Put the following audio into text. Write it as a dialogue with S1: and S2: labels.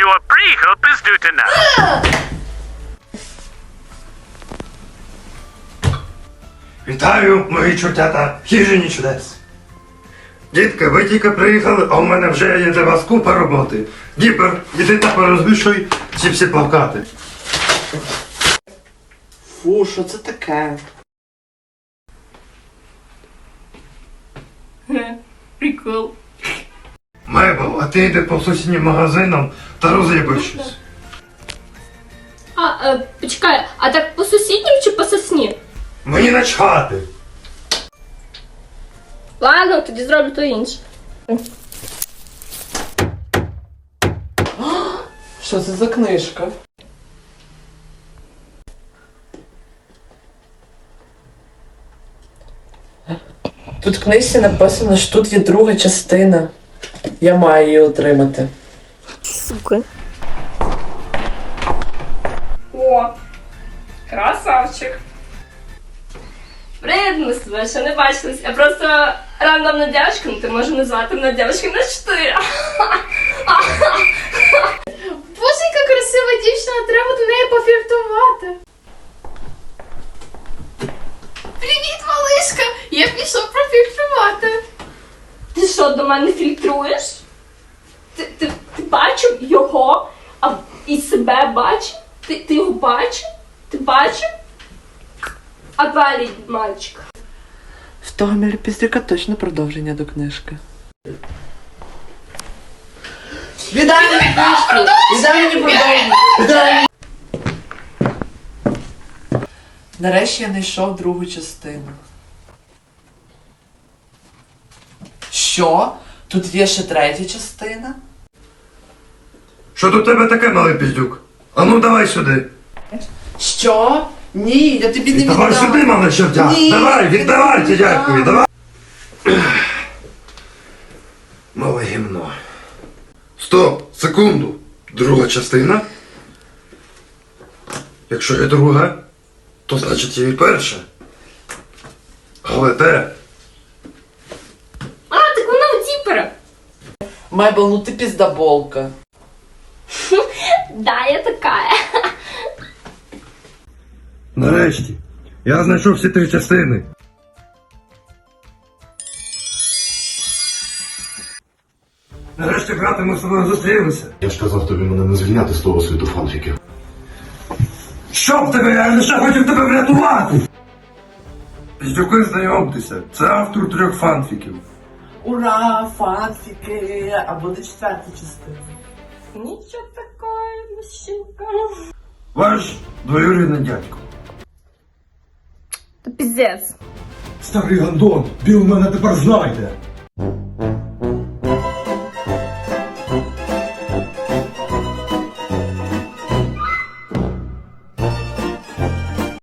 S1: your pre-hope is due tonight.
S2: Вітаю, мої чортята, в хижині чудес. Дітки, ви тільки приїхали, а у мене вже є для вас купа роботи. Діпер, іди та порозвішуй ці всі плакати.
S3: Фу, що це таке?
S4: Прикол.
S2: Мейбл, а ти йди по сусіднім магазинам та роз'їбай щось.
S4: Почекай, а так по сусіднім чи по сосні?
S2: Мені начхати.
S4: Ладно, тоді зроблю то інше.
S3: Що це за книжка? Тут в книжці написано, що тут є друга частина. Я маю її отримати.
S4: Сука. О, красавчик. Привіт, ми з тобою ще не бачились. Я просто рандомна дівчинка, ну ти можеш назвати мене дівчинкою на 4.
S5: Боже, яка красива дівчина, треба до неї пофліртувати. Привіт, малишка! Я пішов профільтрувати.
S4: Ти що, до мене фільтруєш? Ти бачив його, а і себе бачив? Ти його бачив? Ти бачив? А далі, мальчик.
S3: В того міліпіздрика точно продовження до книжки. Віддай мені книжку! Віддай мені продовження! Віддай мені! Нарешті я знайшов другу частину. Що? Тут є ще третя частина?
S2: Що тут у тебе таке, малий піздюк? Ану, давай сюди.
S3: Що? Ні, я тобі не
S2: Давай
S3: віддам.
S2: сюди, малий чортя.
S3: Ні,
S2: Давай,
S3: я
S2: віддавайте
S3: не
S2: дядькові,
S3: віддам.
S2: давай. Мале гімно. Стоп, секунду. Друга частина? Якщо є друга, то значить є і перша. Але де?
S4: А, так вона у Діпера.
S3: Майбл, ну ти піздаболка.
S4: Да, я такая.
S2: Нарешті. Я знайшов всі три частини. Нарешті, брате, ми з тобою зустрілися.
S6: Я ж казав тобі мене не звільняти з того світу фанфіків.
S2: Що в тебе? Я лише хотів тебе врятувати! Піздюки, знайомтеся. Це автор 3 фанфіків.
S3: Ура, фанфіки! А буде четверта частина.
S4: Нічого такого, мужчинка.
S2: Ваш двоюрідний дядько.
S4: Та піздець.
S2: Старий гандон, Біл мене тепер знайде.